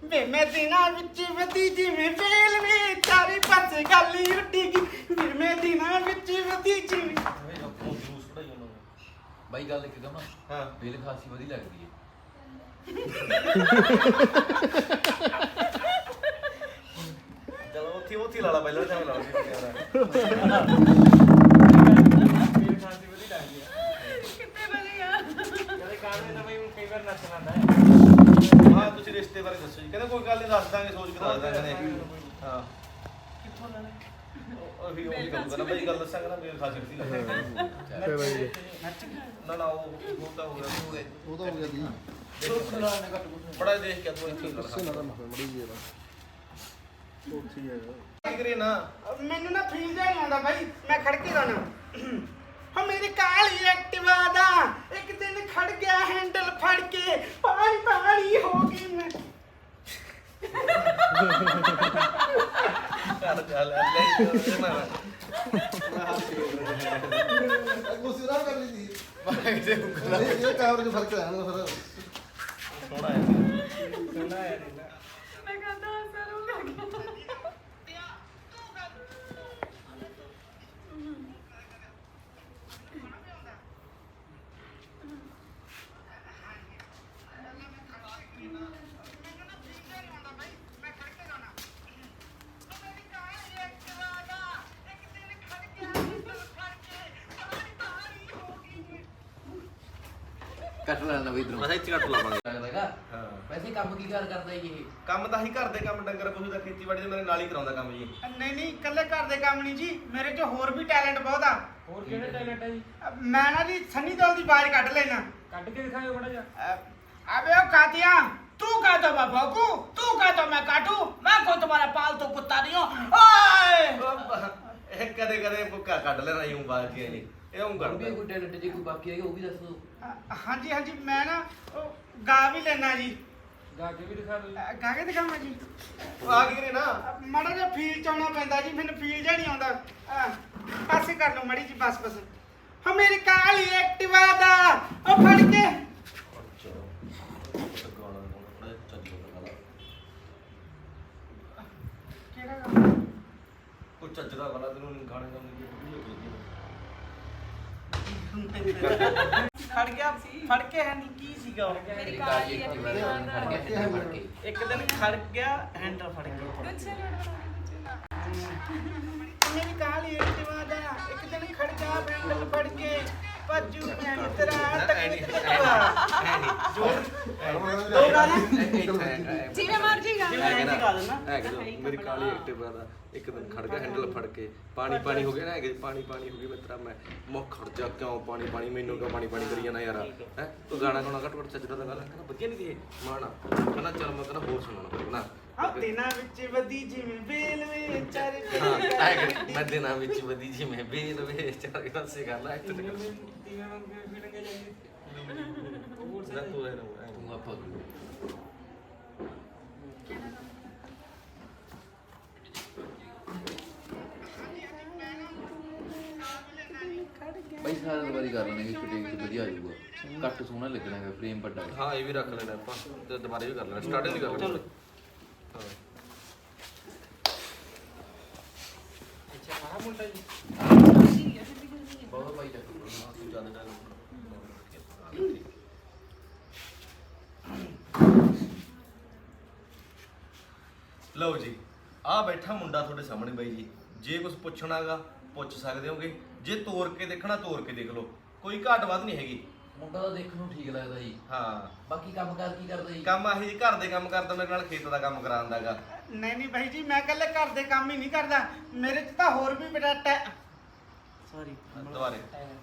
ਵੇ ਮੈਂ ਦਿਨਾਂ ਵਿੱਚ ਵਧੀ ਜਿਵੇਂ ਵੇਲ ਵੇ ਚਾਰੇ ਪਾਸੇ ਗੱਲ ਹੀ ਉੱਡੀ ਗਈ ਵੀਰ ਮੈਂ ਦਿਨਾਂ ਵਿੱਚ ਵਧੀ ਜਿਵੇਂ ਬਾਈ ਗੱਲ ਇੱਕ ਕਹਾਂ ਹਾਂ ਬੇਲ ਖਾਸੀ ਵਧੀਆ ਲੱਗਦੀ ਹੈ ਚਲੋ ਉੱਥੇ ਲਾ ਲਾ ਪਹਿਲਾਂ ਤਾਂ ਲਾ ਲਾ ਬੇਲ ਖਾਸੀ ਵਧੀਆ ਲੱਗਦੀ ਹੈ ਕਿੱਥੇ ਵਧੀਆ ਕਦੇ ਕਾਹਦੇ ਤਾਂ ਬਈ ਕਈ ਵਾਰ ਨੱਚਣਾ ਆਉਂਦਾ ਹਾਂ ਤੁਸੀਂ ਰਿਸ਼ਤੇ ਬਾਰੇ ਦੱਸੋ ਜੀ ਕਹਿੰਦੇ ਕੋਈ ਗੱਲ ਨਹੀਂ ਦੱਸ ਦਾਂਗੇ ਸੋਚ ਕੇ ਦੱਸ ਦਾਂਗੇ ਹਾਂ ਕਿੱਥੋਂ ਲੈਣਾ ਉਹੀ ਗੱਲ ਕਰਨਾ ਬਈ ਗੱਲ ਦੱਸਾਂਗਾ ਨਾ ਬੇਲ ਖਾਸੀ ਵਧੀਆ ਲੱਗਦੀ ਨਾ ਨਾ ਉਹ ਤਾਂ ਹੋ ਗਿਆ ਉਹ ਤਾਂ ਹੋ ਗਿਆ ਜੀ ਬੜਾ ਦੇਖ ਕੇ ਤੂੰ ਇੱਥੇ ਦੱਸੇ ਨਾ ਤਾਂ ਮੜੀ ਜੀ ਇਹਦਾ ਉੱਥੇ ਹੈਗਾ ਕੀ ਕਰੇ ਨਾ ਮੈਨੂੰ ਨਾ ਫੀਲ ਜਿਹਾ ਨਹੀਂ ਆਉਂਦਾ ਬਾਈ ਮੈਂ ਖੜ ਕੇ ਗਾਣਾ ਹਾਂ ਮੇਰੀ ਕਾਲੀ ਐਕਟਿਵਾ ਦਾ ਇੱਕ ਦਿਨ ਖੜ ਗਿਆ ਹੈਂਡਲ ਫੜ ਕੇ ਪਾਣੀ ਹੋ ਗਈ ਮੈਂ ਕਰ ਚੱਲ ਲੈ ਨਾ ਗੁੱਸੇ ਨਾ ਕਰ ਲਈ ਸੀ ਬਾਈ ਦੇ ਉਂਗਲਾਂ ਇਹ ਕੈਮਰੇ 'ਚ ਫਰਕ ਆਇਆ ਨਾ ਫਿਰ ਸੋਹਣਾ ਹੈ ਮੈਂ ਕਹਿੰਦਾ ਸਰੂੰਗਾ ਕੱਟ ਲੈਣਾ ਬਈ ਇਧਰੋਂ ਬਸ ਇੱਥੇ ਕੱਟ ਲਾਵਾਂਗੇ ਲੱਗਦਾਗਾ ਹਾਂ ਵੈਸੇ ਕੰਮ ਕੀ ਕਰਦਾ ਜੀ ਇਹ ਕੰਮ ਤਾਂ ਹੀ ਘਰ ਦੇ ਕੰਮ ਡੰਗਰ ਪਸ਼ੂ ਦਾ ਖੇਤੀਬਾੜੀ ਦੇ ਮੇਰੇ ਨਾਲ ਹੀ ਕਰਾਉਂਦਾ ਕੰਮ ਜੀ ਨਹੀਂ ਇਕੱਲੇ ਘਰ ਦੇ ਕੰਮ ਨਹੀਂ ਜੀ ਮੇਰੇ 'ਚ ਹੋਰ ਵੀ ਟੈਲੈਂਟ ਬਹੁਤ ਆ ਹੋਰ ਕਿਹੜੇ ਟੈਲੈਂਟ ਹੈ ਜੀ ਮੈਂ ਨਾ ਜੀ ਸੰਨੀ ਦਿਓਲ ਦੀ ਆਵਾਜ਼ ਕੱਢ ਲੈਣਾ ਕੱਢ ਕੇ ਦਿਖਾਇਓ ਬੜਾ ਜਿਹਾ अबे ओ कातिया तू कह तो मैं भौंकू तू कह तो मैं काटू मैं कोई तुम्हारा पालतू कुत्ता नहीं हूँ ओए ਇਹ ਕਦੇ ਕਦੇ ਭੁੱਕਾ ਕੱਢ ਲੈਣਾ यूं ਬਾਲ ਕੇ ਨਹੀਂ ਇਹ ਊਂ ਵੀ ਕਰਦਾ ਕੋਈ ਟੈਲੈਂਟ ਜੇ ਕੋਈ ਬਾਕੀ ਹੈਗਾ ਉਹ ਵੀ ਦੱਸ ਦਿਓ हाँ जी मैं ना गा भी लेना जी ਗਾ ਕੇ ਵੀ ਦਿਖਾ ਦਿਓ ਗਾ के दिखावा जी ਉਹ ਆ ਗਈ ਨਾ माड़ा जिहा फील च आउणा पैंदा जी मैनूं फील जिहा नहीं आउंदा पासे कर लो मड़ी जी बस हाँ मेरी काली एक्टिवा दा ओ फड़ के केड़ा गा ਕੋਈ ਚੱਜ ਦਾ ਵਾਲਾ ਤੈਨੂੰ ਗਾਣੇ ਗਾਉਣ ਦੀ ਫੜ ਕੇ ਹੈ ਨਹੀਂ ਕੀ ਸੀਗਾ ਉਹ ਮੇਰੀ ਕਾਲੀ ਕਾਲੀ ਐਕਟਿਵਾ ਦੇ ਨਾਲ ਖੜ ਗਿਆ ਫੜ ਕੇ ਇੱਕ ਦਿਨ ਖੜ ਗਿਆ ਹੈਂਡਲ ਫੜ ਕੇ ਗੁੱਛੇ ਮੇਰੀ ਕਾਲੀ ਐਕਟਿਵਾ ਦਾ ਇੱਕ ਦਿਨ ਖੜ ਗਿਆ ਹੈਂਡਲ ਫੜ ਕੇ ਭੱਜੂ ਮੈਂ ਮਿੱਤਰਾ ਤੱਕ ਦੋ ਗਾਣੇ ਜਿਵੇਂ ਮਰਜੀ ਗਾ ਮੇਰੀ ਕਾਲੀ ਐਕਟਿਵਾ ਦਾ ਇੱਕ ਦਿਨ ਖੜ ਗਿਆ ਹੈਂਡਲ ਫੜ ਕੇ ਪਾਣੀ ਹੋ ਗਿਆ ਨਾ ਹੈਗੇ ਪਾਣੀ ਹੋ ਗਈ ਮਿੱਤਰਾ ਮੈਂ ਮੁੱਖ ਖੜ ਜਾ ਕਿਉਂ ਪਾਣੀ ਮੈਨੂੰ ਕਿਉਂ ਪਾਣੀ ਕਰੀ ਜਾਣਾ ਯਾਰ ਹੈ ਤੂੰ ਗਾਣਾ ਗਾਣਾ ਘੱਟ ਚੱਜਦਾ ਤਾਂ ਗੱਲ ਕਹਿੰਦਾ ਵਧੀਆ ਨਹੀਂ ਦੀ ਮਾਣਾ ਕਹਿੰਦਾ ਚੱਲ ਮੈਂ ਕਹਿੰਦਾ ਹੋਰ ਸੁਣਾਉਣਾ ਫਿਰ ਨਾ ਦਿਨਾਂ ਵਿੱਚ ਵਧੀ ਜਿਵੇਂ ਵੇਲ ਵੇ ਚਾਰੇ ਮੈਂ ਦਿਨਾਂ ਵਿੱਚ ਵਧੀ ਜੀ ਮੈਂ ਬੇਲ ਵੇ ਚਾਰ ਪਾਸੇ ਗੱਲ ਆ ਇੱਥੇ ਤੀਵੇਂ ਮੰਗੇ ਫਿੜਨਗੇ ਜਾਈਏ ਤੂੰ ਹੈ ਤੂੰ ਆਪਾਂ ਬਾਈ ਸਾਰਾ ਵਾਰੀ ਕਰ ਲੈਣੇ ਕਿ ਫਿਟਿੰਗ ਤੇ ਵਧੀਆ ਆ ਜਾਊਗਾ ਕੱਟ ਸੋਹਣਾ ਲੱਗਣਾ ਹੈ ਫਰੇਮ ਵੱਡਾ ਹੈ ਹਾਂ ਇਹ ਵੀ ਰੱਖ ਲੈਣਾ ਆਪਾਂ ਤੇ ਦੁਬਾਰਾ ਵੀ ਕਰ ਲੈਣਾ ਸਟਾਰਟਿੰਗ ਵੀ ਕਰ ਲੈਣਾ ਹਾਂ ਅੱਛਾ ਸਾਰਾ ਮੁੰਡਾ ਜੀ ਬਹੁਤ ਬਾਈ ਚੱਕ ਤੂੰ ਜ਼ਿਆਦਾ ਲਓ ਜੀ ਆ ਬੈਠਾ ਮੁੰਡਾ ਤੁਹਾਡੇ ਸਾਹਮਣੇ ਬਾਈ ਜੀ ਜੇ ਕੁਝ ਪੁੱਛਣਾਗਾ ਪੁੱਛ ਸਕਦੇ ਹੋਗੇ ਜੇ ਤੋੜ ਕੇ ਦੇਖਣਾ ਤੋੜ ਕੇ ਦੇਖ ਲਓ ਕੋਈ ਘਾਟ ਵੱਧ ਨਹੀਂ ਹੈਗੀ ਮੁੰਡਾ ਤਾਂ ਦੇਖਣ ਨੂੰ ਠੀਕ ਲੱਗਦਾ ਜੀ ਹਾਂ ਬਾਕੀ ਕੰਮ ਕਾਰ ਕੀ ਕਰਦਾ ਜੀ ਕੰਮ ਆਹੀ ਘਰ ਦੇ ਕੰਮ ਕਰਦਾ ਮੇਰੇ ਨਾਲ ਖੇਤ ਦਾ ਕੰਮ ਕਰਾਉਂਦਾਗਾ ਨਹੀਂ ਭਾਈ ਜੀ ਮੈਂ ਇਕੱਲੇ ਘਰ ਦੇ ਕੰਮ ਹੀ ਨਹੀਂ ਕਰਦਾ ਮੇਰੇ 'ਚ ਤਾਂ ਹੋਰ ਵੀ ਬੜਾ ਸੌਰੀ ਦੁਬਾਰੇ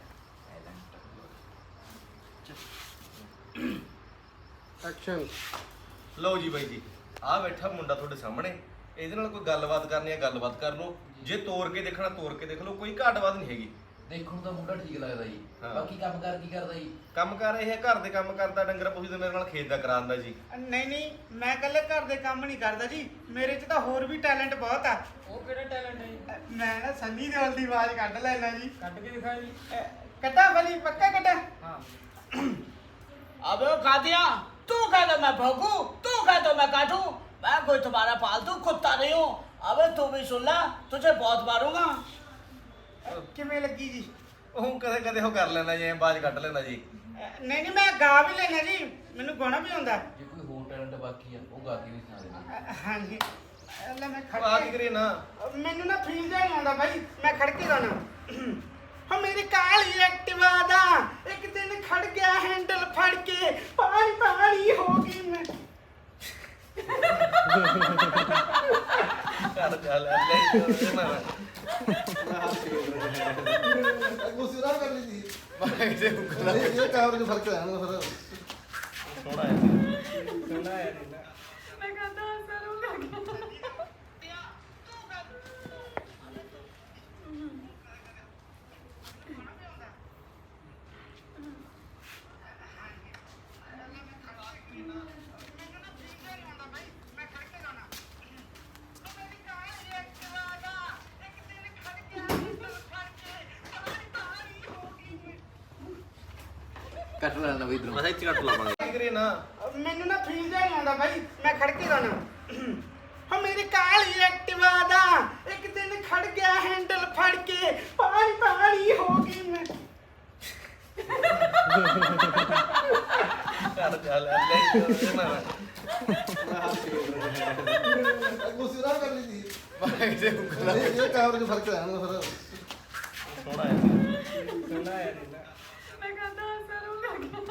ਐਕਸ਼ਨ ਲਓ ਜੀ ਬਾਈ ਜੀ ਆ ਬੈਠਾ ਮੁੰਡਾ ਤੁਹਾਡੇ ਸਾਹਮਣੇ ਇਹਦੇ ਨਾਲ ਕੋਈ ਗੱਲਬਾਤ ਕਰਨੀ ਹੈ ਗੱਲਬਾਤ ਕਰ ਲਓ ਜੇ ਤੋੜ ਕੇ ਦੇਖਣਾ ਤੋੜ ਕੇ ਦੇਖ ਲਓ ਕੋਈ ਘਾਟ ਵੱਧ ਨਹੀਂ ਹੈਗੀ ਦੇਖਣ ਨੂੰ ਤਾਂ ਮੁੰਡਾ ਠੀਕ ਲੱਗਦਾ ਜੀ ਹਾਂ। ਬਾਕੀ ਕੰਮ ਕਾਰ ਕੀ ਕਰਦਾ ਜੀ ਕੰਮ ਕਰ ਇਹ ਹੈ ਘਰ ਦੇ ਕੰਮ ਕਰਦਾ ਡੰਗਰ ਪਸ਼ੂ ਦੇ ਮੇਰੇ ਨਾਲ ਖੇਤ ਦਾ ਕਰਾਉਂਦਾ ਜੀ ਨਹੀਂ ਮੈਂ ਇਕੱਲੇ ਘਰ ਦੇ ਕੰਮ ਨਹੀਂ ਕਰਦਾ ਜੀ ਮੇਰੇ 'ਚ ਤਾਂ ਹੋਰ ਵੀ ਟੈਲੈਂਟ ਬਹੁਤ ਆ ਉਹ ਕਿਹੜਾ ਟੈਲੈਂਟ ਹੈ ਜੀ ਮੈਂ ਨਾ ਸੰਨੀ ਦਿਓਲ ਦੀ ਆਵਾਜ਼ ਕੱਢ ਲੈਣਾ ਜੀ ਕੱਢ ਕੇ ਦਿਖਾਇਓ ਜੀ ਕੱਟਾ ਬਲੀ ਪੱਕਾ ਕੱਟਾ ਹਾਂ अबे ओ कातिया तू कह दो मैं भौंकू तू कह दो मैं काटू मैं कोई तुम्हारा पालतू कुत्ता नहीं हूँ। अबे तू भी सुन ला, तुझे बहुत मारूंगा। ਕਿਵੇਂ ਲੱਗੀ ਜੀ? ਉਹ ਕਦੇ ਕਦੇ ਉਹ ਕਰ ਲੈਂਦਾ ਜੀ, ਬਾਜ ਕੱਢ ਲੈਂਦਾ ਜੀ। ਨਹੀਂ ਨਹੀਂ ਮੈਂ ਗਾ ਵੀ ਲੈਣਾ ਜੀ, ਮੈਨੂੰ ਗਾਣਾ ਵੀ ਆਉਂਦਾ। ਜੇ ਕੋਈ ਹੋਰ ਟੈਲੈਂਟ ਬਾਕੀ ਆ ਉਹ ਗਾ ਕੇ ਵੀ ਸੁਣਾ ਦੇਣਾ। ਹਾਂਜੀ ਲੈ ਮੈਂ ਖੜ ਆ ਕੀ ਕੇ ਕਰੀਏ ਨਾ, ਮੈਨੂੰ ਨਾ ਫੀਲ ਜਿਹਾ ਨਹੀਂ ਆਉਂਦਾ ਬਾਈ, ਮੈਂ ਖੜ ਕੇ ਗਾਣਾ। ਹੋ ਮੇਰੀ ਕਾਲੀ ਐਕਟਿਵਾ ਦਾ ਇੱਕ ਦਿਨ ਖੜ ਗਿਆ ਹੈਂਡਲ ਫੜ ਕੇ, ਪਾਣੀ ਪਾਣੀ ਹੋ ਗਈ ਮੈਂ। ਕਰ ਚੱਲ ਲੈ ਨਾ ਗੁੱਸੇ ਨਾ ਕਰ ਲਈ ਸੀ ਮੈਂ ਕਿਤੇ ਉਂਗਲਾਂ ਇਹ ਕੈਮਰੇ 'ਚ ਫਰਕ ਆਣਾ ਫਿਰ ਥੋੜਾ ਹੈ। ਸੁਣਾ ਯਾਰ ਇਹਦਾ। ਮੈਂ ਕਹਿੰਦਾ ਸਰ ਉਹ ਕਰ ਗਿਆ ਕੱਟ ਲੈਣਾ ਬਈ ਇਧਰੋਂ। ਮੈਂ ਇੱਥੇ ਕੱਟ ਲਾਵਾਂਗੇ। ਕੀ ਕਰੀਏ ਨਾ, ਮੈਨੂੰ ਨਾ ਫੀਲ ਜਿਹਾ ਨਹੀਂ ਆਉਂਦਾ ਬਾਈ, ਮੈਂ ਖੜ ਕੇ ਗਾਣਾ। ਹੋ ਮੇਰੀ ਕਾਲੀ ਐਕਟਿਵਾ ਦਾ ਇੱਕ ਦਿਨ ਖੜ ਗਿਆ ਹੈਂਡਲ ਫੜ ਕੇ, ਪਾਣੀ ਪਾਣੀ ਹੋ ਗਈ ਮੈਂ। ਕਰ ਚੱਲ ਲੈ ਨਾ ਗੁੱਸੇ ਨਾ ਕਰ ਲਈ ਸੀ ਮੈਂ ਕਿਤੇ ਉਂਗਲਾਂ ਇਹ ਕੈਮਰੇ 'ਚ ਫਰਕ ਆਣਾ ਫਿਰ ਥੋੜਾ ਹੈ। ਸੁਣਾ ਯਾਰ ਇਹਦਾ। ਮੈਂ ਕਹਿੰਦਾ ਸਰ ਉਹ ਕਰ ਗਿਆ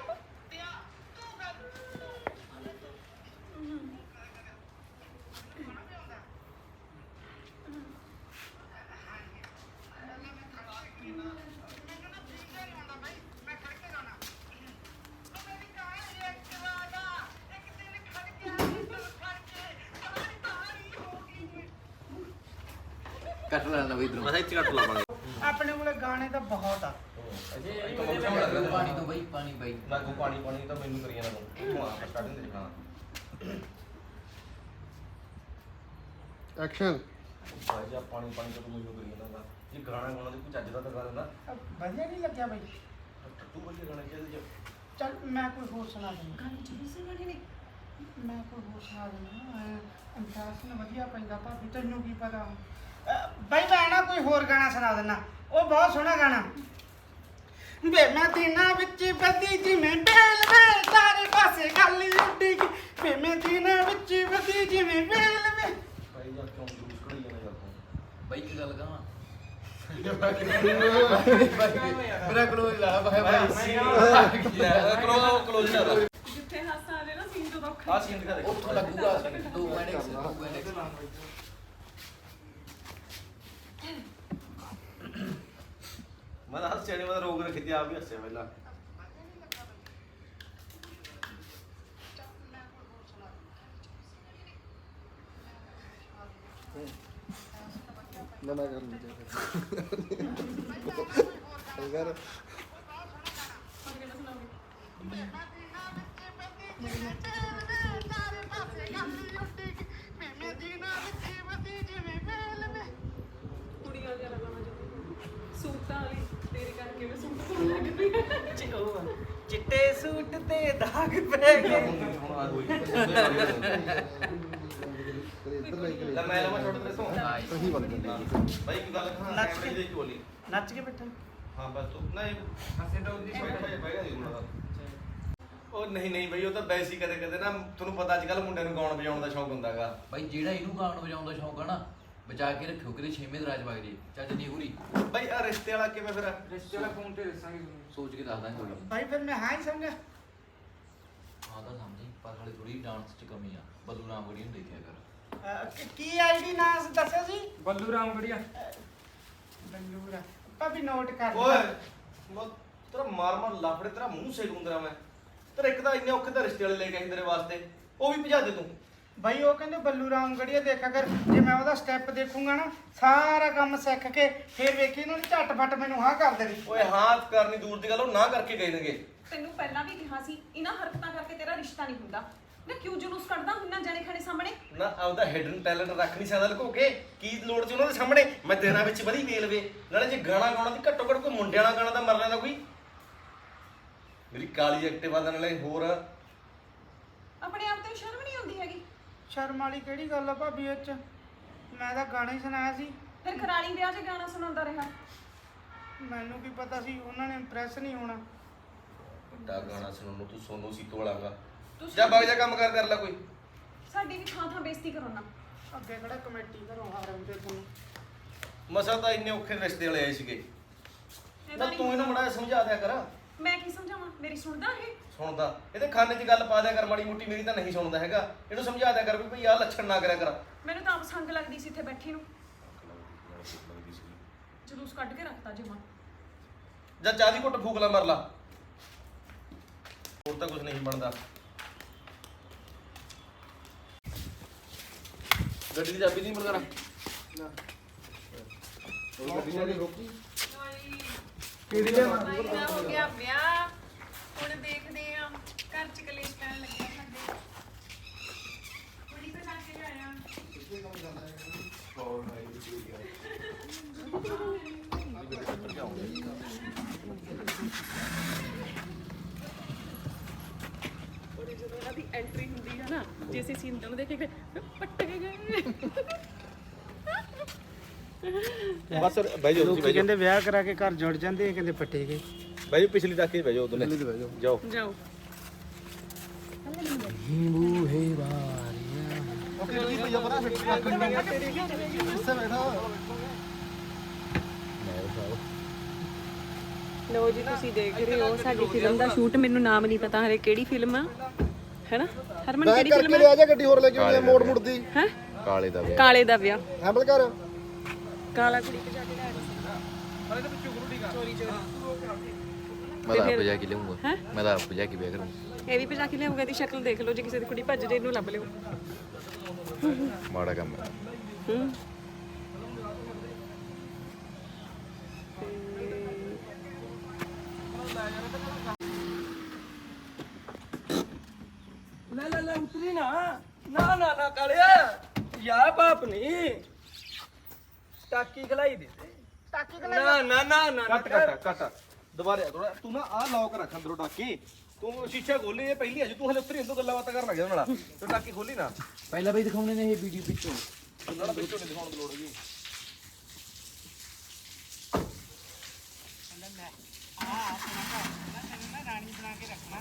ਕੱਟ ਲੈਣਾ ਬਈ ਇਧਰੋਂ। ਮੈਂ ਇੱਥੇ ਕੱਟ ਲਾਵਾਂਗੇ। ਆਪਣੇ ਕੋਲ ਗਾਣੇ ਤਾਂ ਬਹੁਤ ਆ। ਪਾਣੀ ਤੋਂ ਬਈ ਪਾਣੀ ਬਾਈ। ਲਾਗੂ ਪਾਣੀ ਪਾਣੀ ਤਾਂ ਮੈਨੂੰ ਕਰੀ ਜਾਂਦਾ ਤੂੰ। ਇੱਥੋਂ ਆ ਸਟਾਰਟਿੰਗ ਤੇ ਲਿਖਣਾ। ਐਕਸ਼ਨ ਭਾਈ ਜਾ ਪਾਣੀ ਪਾਣੀ ਤਾਂ ਤੂੰ ਮੈਨੂੰ ਕਰੀ ਜਾਂਦਾ। ਇਹ ਗਾਣਾ ਗਾਣਾ ਤੇ ਕੋਈ ਚੱਜ ਦਾ ਤਾਂ ਗਾ ਦਿੰਦਾ। ਵਧੀਆ ਨਹੀਂ ਲੱਗਿਆ ਬਾਈ? ਤੂੰ ਵਧੀਆ ਗਾਣੇ ਚਾਹੀਦੇ ਚੱਲ ਮੈਂ ਕੋਈ ਹੋਰ ਸੁਣਾ ਦਿੰਦਾ। ਗਾਣੇ ਚੁੱਪ ਸੁਣਾਣੇ ਨੇ ਮੈਂ ਕੋਈ ਹੋਰ ਸੁਣਾ ਦਿੰਦਾ। ਇੰਟਰਸਟ ਨਾ ਵਧੀਆ ਪੈਂਦਾ ਭਾਬੀ, ਤੈਨੂੰ ਕੀ ਪਤਾ। ਬਾਈ ਮੈਂ ਨਾ ਕੋਈ ਹੋਰ ਗਾਣਾ ਸੁਣਾ ਦਿੰਦਾ, ਉਹ ਬਹੁਤ ਸੋਹਣਾ ਗਾਣਾ। ਵੇ ਮੈਂ ਦਿਨਾਂ ਵਿੱਚ ਵਧੀ ਜਿਵੇਂ ਬੇਲ ਵੇ, ਸਾਰੇ ਪਾਸੇ ਗੱਲ ਉੱਡੀ ਗਈ। ਵੇ ਮੈਂ ਦਿਨਾਂ ਵਿੱਚ ਵਧੀ ਜਿਵੇਂ ਬੇਲ ਵੇ। ਭਾਈ ਜਾ ਕਿਉਂ ਜੂਸ ਕਢਾਈ ਜਾਂਦਾ ਯਾਰ ਤੂੰ। ਬਾਈ ਕੀ ਗੱਲ ਕਹਾਂ? ਮੇਰਾ ਕਲੋਜ਼ ਲਾ ਭਾਈ ਕਲੋਜ਼ ਲਾ ਜਿੱਥੇ ਹਾਸਾ ਆ ਜਾਏ ਨਾ ਸੀਨ ਤੋਂ ਦੁੱਖ ਆ ਸੀਨ ਦਿਖਾ ਦੇ। ਉੱਥੋਂ ਲੱਗੂਗਾ 2 ਮਿੰਟ 2 ਮਿੰਟ। ਮੈਂ ਤਾਂ ਹੱਸਿਆ ਨਹੀਂ, ਮੈਂ ਤਾਂ ਰੋਕ ਰੱਖੀ ਤੀ, ਆਪ ਵੀ ਹੱਸਿਆ ਪਹਿਲਾਂ। ਨਾ ਕਰ ਲਈ ਅਗਰ ਕੁੜੀਆਂ ਜਿਆਦਾ ਗਾਣਾ ਚਾਹੁੰਦੀ ਸੂਟਾਂ ਵਾਲੀ ਤੇਰੇ ਕਰਕੇ ਮੈਂ ਸੂਟ ਪਾਉਣ ਲੱਗ ਪਈ ਚਿੱਟੇ ਸੂਟ ਤੇ ਦਾਗ ਪੈ ਗਏ। ਹੁਣ ਆ ਹੋਈ ਇੱਧਰ ਲੈ ਕੇ ਲੈ ਮੈਂ ਲਵਾਂ ਛੋਟੇ ਤੇਰੇ ਤੋਂ। ਸਹੀ ਬਣ ਜਾਂਦੀ ਬਾਈ ਕੀ ਗੱਲ ਕਹਾਂ, ਨੱਚ ਕੈਮਰੇ ਦੀ ਚੋਲੀ। ਨੱਚ ਕੇ ਬੈਠਾ। ਹਾਂ ਬਸ ਤੂੰ ਨਹੀਂ ਹੱਸੇ ਤਾਂ ਉਹਦੀ ਬੈਠਾ ਨਹੀਂ ਹੁੰਦਾ। ਉਹ ਨਹੀਂ ਨਹੀਂ ਬਈ, ਉਹ ਤਾਂ ਵੈਸੇ ਹੀ ਕਦੇ ਕਦੇ ਨਾ, ਤੁਹਾਨੂੰ ਪਤਾ ਅੱਜ ਕੱਲ ਮੁੰਡਿਆਂ ਨੂੰ ਗਾਉਣ ਵਜਾਉਣ ਦਾ ਸ਼ੌਕ ਹੁੰਦਾਗਾ। ਬਾਈ ਜਿਹੜਾ ਇਹਨੂੰ ਗਾਣ ਵਜਾਉਣ ਦਾ ਸ਼ੌਂਕ ਆ ਨਾ, ਬਚਾ ਕੇ ਰੱਖਿਓ ਕਿਤੇ 6ਵੇਂ ਦਰਾਜ ਵਗ ਜੇ ਚੱਜ ਨਹੀਂ ਹੋਰੀ। ਬਾਈ ਆ ਰਿਸ਼ਤੇ ਵਾਲਾ ਕਿਵੇਂ ਫਿਰ? ਰਿਸ਼ਤੇ ਵਾਲਾ ਫੋਨ ਤੇ ਦੱਸਾਂਗੇ ਤੁਹਾਨੂੰ। ਸੋਚ ਕੇ ਦੱਸ ਦਾਂਗੇ ਹੋਰੀ। ਬਾਈ ਫਿਰ ਮੈਂ ਹਾਂ ਹੀ ਸਮਝਿਆ। ਹਾਂ ਤਾਂ ਸਮਝੀ, ਪਰ ਹਾਲੇ ਥੋੜੀ ਡਾਂਸ 'ਚ ਕਮੀ ਆ। ਬੱਲੂ ਰਾਮਗੜੀ ਨੂੰ ਦੇਖਿਆ ਕਰ। ਕੀ ਆਈਡੀ ਨਾਮ ਦੱਸਿਆ ਸੀ? ਬੱਲੂ ਰਾਮਗੜੀਆ। ਬੰਦੂਰਾ ਭਾਬੀ ਨੋਟ ਕਰ ਓਏ ਮੈਂ ਤੇਰਾ ਮਾਰ ਮਾਰ ਲਾਫੜੇ, ਤੇਰਾ ਮੂੰਹ ਸੇਕ ਹੁੰਦਰਾ ਮੈਂ। ਤੇਰਾ ਇੱਕ ਤਾਂ ਇੰਨੇ ਔਖੇ ਤਾਂ ਰਿਸ਼ਤੇ ਵਾਲੇ ਲੈ ਕੇ ਆਈ ਤੇਰੇ ਵਾਸਤੇ, ਉਹ ਵੀ ਭਜਾ ਦੇ ਤੂੰ। ਬਾਈ ਉਹ ਕਹਿੰਦੇ ਬੱਲੂ ਰਾਮ ਗੜੀਆ ਦੇਖਿਆ ਕਰ, ਜੇ ਮੈਂ ਉਹਦਾ ਸਟੈਪ ਦੇਖੂੰਗਾ ਨਾ ਸਾਰਾ ਕੰਮ ਸਿੱਖ ਕੇ ਫਿਰ ਵੇਖੀ ਇਹਨਾਂ ਨੇ ਝਟਪਟ ਮੈਨੂੰ ਹਾਂ ਕਰ ਦੇਣੀ। ਓਏ ਹਾਂ ਕਰਨੀ ਦੂਰ ਦੀ ਗੱਲ, ਉਹ ਨਾ ਕਰਕੇ ਗਏ ਨੇਗੇ। ਤੈਨੂੰ ਪਹਿਲਾਂ ਵੀ ਕਿਹਾ ਸੀ ਇਹਨਾਂ ਹਰਕਤਾਂ ਕਰਕੇ ਤੇਰਾ ਰਿਸ਼ਤਾ ਨਹੀਂ ਹੁੰਦਾ ਨਾ। ਕਿਉਂ ਜਲੂਸ ਕੱਢਦਾ ਹੁੰਨਾ ਜਾਣੇ ਖਾਣੇ ਸਾਹਮਣੇ? ਨਾ ਆਪਦਾ ਹਿਡਨ ਟੈਲੈਂਟ ਰੱਖ ਨਹੀਂ ਸਕਦਾ ਲੁਕੋ ਕੇ, ਕੀ ਲੋੜ ਸੀ ਉਹਨਾਂ ਦੇ ਸਾਹਮਣੇ? ਮੈਂ ਦਿਨਾਂ ਵਿੱਚ ਵਧੀ ਵੇਲਵੇ ਨਾਲੇ ਜੇ ਗਾਣਾ ਗਾਉਣਾ ਤੇ ਘੱਟੋ ਘੱਟ ਕੋਈ ਮੁੰਡਿਆਂ ਵਾਲਾ ਗਾਣਾ ਤਾਂ ਮਰ ਲੈਂਦਾ ਕੋਈ। ਮੇਰੀ ਕਾਲੀ ਐਕਟਿਵਾ ਦਾ ਨਾਲੇ ਹੋਰ ਆਪਣੇ ਆਪ ਤੇ ਸ਼ਰਮ ਨਹੀਂ ਆਉਂਦੀ ਹੈਗੀ? ਸ਼ਰਮ ਵਾਲੀ ਕਿਹੜੀ ਗੱਲ ਆ ਭਾਬੀ ਇਹ 'ਚ? ਮੈਂ ਤਾਂ ਗਾਣਾ ਹੀ ਸੁਣਾਇਆ ਸੀ। ਫਿਰ ਖਰਾਲੀ ਵਿਆਹ 'ਚ ਗਾਣਾ ਸੁਣਾਉਂਦਾ ਰਿਹਾ। ਮੈਨੂੰ ਕੀ ਪਤਾ ਸੀ ਉਹਨਾਂ ਨੇ ਇੰਪ੍ਰੈਸ ਨਹੀਂ ਹੋਣਾ। ਵੱਡਾ ਗਾਣਾ ਸੁਣਨ ਨੂੰ ਤੂੰ ਸੋਨੂ ਸੀਤੋ ਵਾਲਾਗਾ। ਤੁਸੀਂ ਜਾ ਬਾਗ ਜਾ ਕੰਮ ਕਰ ਲੈ ਕੋਈ। ਸਾਡੀ ਵੀ ਥਾਂ ਥਾਂ ਬੇਇੱਜ਼ਤੀ ਕਰੋ ਨਾ। ਅੱਗੇ ਕਿਹੜਾ ਕਮੇਟੀ ਘਰੋਂ ਆ ਰਹੇ ਤੇ ਤੁਹਾਨੂੰ। ਮਸਾ ਤਾਂ ਇੰਨੇ ਔਖੇ ਰਿਸ਼ਤੇ ਵਾਲੇ ਆਏ ਸੀਗੇ। ਇਹ ਨਾ ਤਾਂ ਨਹੀਂ ਤੂੰ ਇਹਨੂੰ ਮੜਾ ਸਮਝਾ ਦਿਆ ਕਰ। ਮੈਂ ਕੀ ਸਮਝਾਵਾਂ? ਮੇਰੀ ਸੁਣਦਾ ਇਹ? ਸੁਣਦਾ ਇਹਦੇ ਖਾਨੇ 'ਚ ਗੱਲ ਪਾ ਦਿਆ ਕਰ ਮਾੜੀ ਮੋਟੀ। ਮੇਰੀ ਤਾਂ ਨਹੀਂ ਸੁਣਦਾ ਹੈਗਾ। ਇਹਨੂੰ ਸਮਝਾ ਦਿਆ ਕਰ ਵੀ ਭਈ ਆਹ ਲੱਛਣ ਨਾ ਕਰਿਆ ਕਰ। ਮੈਨੂੰ ਤਾਂ ਆਪ ਸੰਗ ਲੱਗਦੀ ਸੀ ਇੱਥੇ ਬੈਠੀ ਨੂੰ। ਜਲੂਸ ਕੱਢ ਕੇ ਰੱਖਤਾ ਜਮਾ। ਜਾਂ ਚਾਹ ਦੀ ਘੁੱਟ ਫੂਕ ਲਾ ਮਰ ਲਾ। ਹੋਰ ਤਾਂ ਕੁਝ ਨਹੀਂ ਬਣਦਾ। ਗੱਡੀ ਦੀ ਚਾਬੀ ਨਹੀਂ ਮਿਲਦਾ। ਉਹ ਗੱਡੀ ਨਾਲ ਰੋਕੀ। ਕਿਹੜੀ ਲੈ ਹੋ ਗਿਆ ਵਿਆਹ। ਹੁਣ ਦੇਖਦੇ ਆ ਘਰ ਚ ਕਲੇਸ਼ ਪੈਣ ਲੱਗਿਆ ਸਾਡੇ। ਕੁੜੀ ਪਛਾ ਕੇ ਆਇਆ। ਔਰ ਜਦੋਂ ਇਹਨਾਂ ਦੀ ਐਂਟਰੀ ਹੁੰਦੀ ਹੈ ਨਾ, ਜੇ ਅਸੀਂ ਸੀਨ ਨੂੰ ਦੇਖ ਕੇ ਪੱਟੇ ਗਏ। ਬਸ ਬਹਿ ਜਾਓ ਤੁਸੀਂ, ਬਹਿ ਜਾਓ। ਕਹਿੰਦੇ ਵਿਆਹ ਕਰਾ ਕੇ ਘਰ ਜੁੜ ਜਾਂਦੇ, ਕਹਿੰਦੇ ਪੱਟੇ ਗਏ। ਬਹਿ ਜਾਓ ਪਿਛਲੀ ਤੱਕ ਹੀ ਬਹਿ ਜਾਓ ਦੋਨੇ। ਜਾਓ ਜਾਓ। ਓਕੇ ਜੀ ਭਈਆ ਪਰਾਂ ਹਿੱਸੇ ਬੈਠਾ। ਲੋ ਜੀ ਤੁਸੀਂ ਦੇਖ ਰਹੇ ਹੋ ਸਾਡੀ ਫਿਲਮ ਦਾ ਸ਼ੂਟ। ਮੈਨੂੰ ਨਾਮ ਨਹੀਂ ਪਤਾ ਹਰੇ ਕਿਹੜੀ ਫਿਲਮ ਆ, ਹੈਨਾ ਹਰਮਨ? ਕਿਹੜੀ ਫਿਲਮ ਕਰਕੇ ਲਿਆ ਜਾ ਗੱਡੀ ਹੋਰ ਲੈ ਕੇ ਆਉਂਦੇ ਮੋੜ ਮੁੜਦੀ। ਹੈ? ਕਾਲੇ ਦਾ ਵਿਆਹ। ਕਾਲੇ ਦਾ ਵਿਆਹ। ਹੈਂਬਲ ਕਰ। ਕਾਲਾ ਕੁੜੀ ਕੇ ਜਾ ਕੇ ਲੈ ਮੈਂ ਤਾਂ ਆਪ ਜਾ ਕੇ ਲਿਆਉਂਗਾ। ਹੈਂ? ਮੈਂ ਤਾਂ ਆਪ ਜਾ ਕੇ ਵਿਆਹ ਕਰੂੰਗਾ। ਇਹ ਵੀ ਭਜਾ ਕੇ ਲਿਆਊਗਾ। ਇਹਦੀ ਸ਼ਕਲ ਦੇਖ ਲਓ, ਜੇ ਕਿਸੇ ਦੀ ਕੁੜੀ ਭੱਜ ਜੇ ਇਹਨੂੰ ਲੱਭ ਲਿਓ। ਮਾੜਾ ਕੰਮ ਹੈ। ਹੂੰ। ਲੈ ਲੈ ਉਤਰੀ ਨਾ ਨਾ ਨਾ ਨਾ ਕਾਲਿਆ ਯਾ ਬਾਪ ਨਹੀਂ ਟਾਕੀ ਖਲਾਈ ਦੇ ਟਾਕੀ ਨਾ ਨਾ ਨਾ ਨਾ ਕੱਟ ਦੁਬਾਰੇ ਥੋੜਾ ਤੂੰ ਨਾ ਆਹ ਲੌਕ ਰੱਖ ਅੰਦਰੋਂ ਟਾਕੀ। ਤੂੰ ਸ਼ੀਸ਼ਾ ਖੋਲੀ ਇਹ ਪਹਿਲੀ ਅਜੇ ਤੂੰ ਹਲੇ ਉੱਤਰੀ ਇੰਦੋਂ ਗੱਲਾਂ ਬਾਤਾਂ ਕਰਨ ਲੱਗ ਜਾ ਨਾਲ। ਤੂੰ ਟਾਕੀ ਖੋਲੀ ਨਾ। ਪਹਿਲਾਂ ਬਈ ਦਿਖਾਉਣੇ ਨੇ ਇਹ ਵੀਡੀਓ ਪਿੱਛੋਂ। ਉਹਨਾਂ ਦਾ ਵਿੱਚੋਂ ਨਹੀਂ ਦਿਖਾਉਣ ਦੀ ਲੋੜ ਹੈਗੀ। ਰਾਣੀ ਬਣਾ ਕੇ ਰੱਖਣਾ।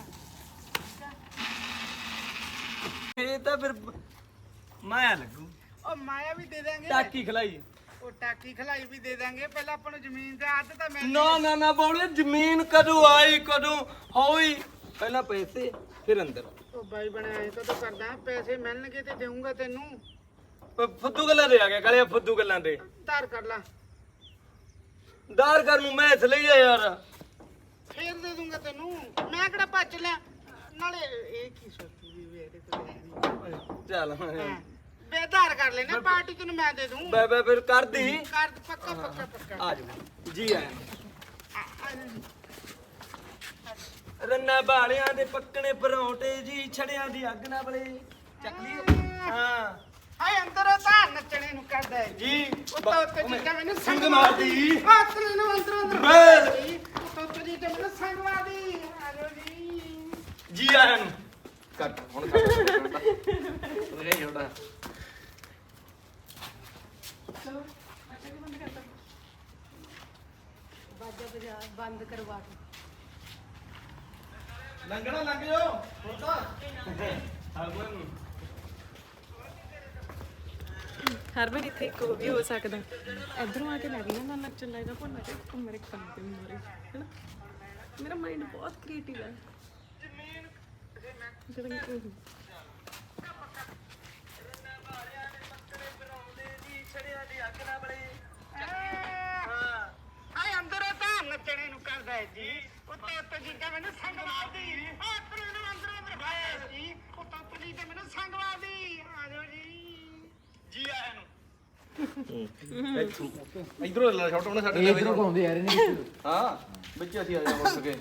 ਇਹ ਤਾਂ ਫਿਰ ਮਾਇਆ ਲੱਗੂ। ਉਹ ਮਾਇਆ ਵੀ ਦੇ ਦਾਂਗੇ। ਟਾਕੀ ਖਲਾਈ ਉਹ ਟਾਕੀ ਖਲਾਈ ਵੀ ਦੇ ਦਾਂਗੇ। ਪਹਿਲਾਂ ਆਪਾਂ ਨੂੰ ਜ਼ਮੀਨ ਤੇ ਅੱਧ ਤਾਂ ਮਿਲ ਨਾ ਨਾ ਨਾ ਬੋਲੇ ਜ਼ਮੀਨ ਕਦੋਂ ਆਈ ਕਦੋਂ ਹੋਈ? ਪਹਿਲਾਂ ਪੈਸੇ ਫਿਰ ਅੰਦਰ। ਉਹ ਬਾਈ ਬਣਿਆ ਐ ਕਦੋਂ ਕਰਦਾ? ਪੈਸੇ ਮਿਲਣਗੇ ਤੇ ਦੇਊਂਗਾ ਤੈਨੂੰ। ਫੁੱਦੂ ਗੱਲਾਂ ਦੇ ਆ ਗਿਆ ਕਾਲਿਆ, ਫੁੱਦੂ ਗੱਲਾਂ ਦੇ। ਧਾਰ ਕਰ ਲਾ, ਦਾਰ ਕਰ ਨੂੰ ਮੈਂ ਇਸ ਲਈ ਆ ਯਾਰ। ਫੇਰ ਦੇ ਦੂੰਗਾ ਤੈਨੂੰ। ਮੈਂ ਕਿਹੜਾ ਭੱਜ ਲਿਆ। ਨਾਲੇ ਇਹ ਕੀ ਸੋਚੂਗੀ ਵੀ ਇਹਦੇ ਕੋਲ ਹੈ ਨਹੀਂ। ਚੱਲ ਹਾਂ ਬੇਧਾਰ ਕਰ ਲੈਣਾ। ਪਾਰਟੀ ਤੈਨੂੰ ਮੈਂ ਦੇ ਦੂੰ। ਬੈ ਫਿਰ ਕਰਦੀ ਕਰ ਪੱਕਾ ਪੱਕਾ ਪੱਕਾ। ਆ ਜਾਓ ਜੀ ਆਇਆਂ ਰੰਨਾ ਬਾਲਿਆਂ ਦੇ ਪੱਕਣੇ ਪਰੌਂਠੇ ਜੀ ਛੜਿਆਂ ਦੀ ਅੱਗ ਨਾ ਬਲੇ ਚੱਕ ਲਈ। ਹਾਂ ਹਾਏ ਅੰਦਰ ਤਾਂ ਨੱਚਣੇ ਨੂੰ ਕਰਦਾ ਹੈ ਜੀ ਉੱਤੋਂ ਉੱਤੇ ਜੀ ਮੈਨੂੰ ਸੰਗ ਮਾਰਦੀ। ਹੱਥ ਮੈਨੂੰ ਅੰਦਰੋਂ ਅੰਦਰ ਬੇ। ਜੀ ਉੱਤੋਂ ਉੱਤੇ ਜੀ ਮੈਨੂੰ ਸੰਗ ਮਾਰਦੀ। ਆ ਜਾਓ ਜੀ। ਜੀ ਆਇਆਂ ਨੂੰ। ਕੱਟ ਹੁਣ ਕੱਟ ਉਹਨੇ ਛੋਟਾ। ਚਲੋ ਅੱਛਾ ਵੀ ਬੰਦ ਕਰਤਾ। ਬਾਜਾ ਬਜਾ ਬੰਦ ਕਰਵਾ ਕੇ ਲੰਘਣਾ ਲੰਘ ਜਾਓ ਹੁਣ ਤਾਂ। ਹਰਮਨ ਹਰਮਨ ਇੱਥੇ ਇੱਕ ਉਹ ਵੀ ਹੋ ਸਕਦਾ। ਇਧਰੋਂ ਆ ਕੇ ਲੱਗ ਜਾਂਦਾ ਨੱਚਣ ਲੱਗਦਾ ਭੁੱਲ ਕੇ ਤੂੰ ਮੇਰੇ ਕੰਨ ਤੇ ਮਾਰੇ, ਹੈਨਾ? ਮੇਰਾ ਮਾਈਂਡ ਬਹੁਤ ਕ੍ਰੀਏਟਿਵ ਹੈ। ਜਦੋਂ ਹਾਏ ਅੰਦਰ ਤਾਂ ਨੱਚਣੇ ਨੂੰ ਕਰਦਾ ਹੈ ਜੀ ਉੱਤੋਂ ਉੱਤੇ ਜੀ ਮੈਨੂੰ ਸੰਗ ਮਾਰਦੀ। ਹੱਥ ਮੈਨੂੰ ਅੰਦਰੋਂ ਅੰਦਰ ਭਾਇਆ ਜੀ ਉੱਤੋਂ ਉੱਤੇ ਜੀ ਮੈਨੂੰ ਸੰਗ ਮਾਰਦੀ। ਆ ਜਾਓ ਜੀ। ਜੀ ਆਇਆਂ ਨੂੰ। ਇਧਰੋਂ ਲੈ ਛੋਟਾ ਉਹਨੇ ਸਾਡੇ ਨਾਲ ਇਧਰੋਂ ਘੁੰਮਦੇ ਯਾਰ ਇਹਨੇ। ਹਾਂ ਵਿੱਚ ਅਸੀਂ ਆ ਜਾ ਮੁੜ ਕੇ।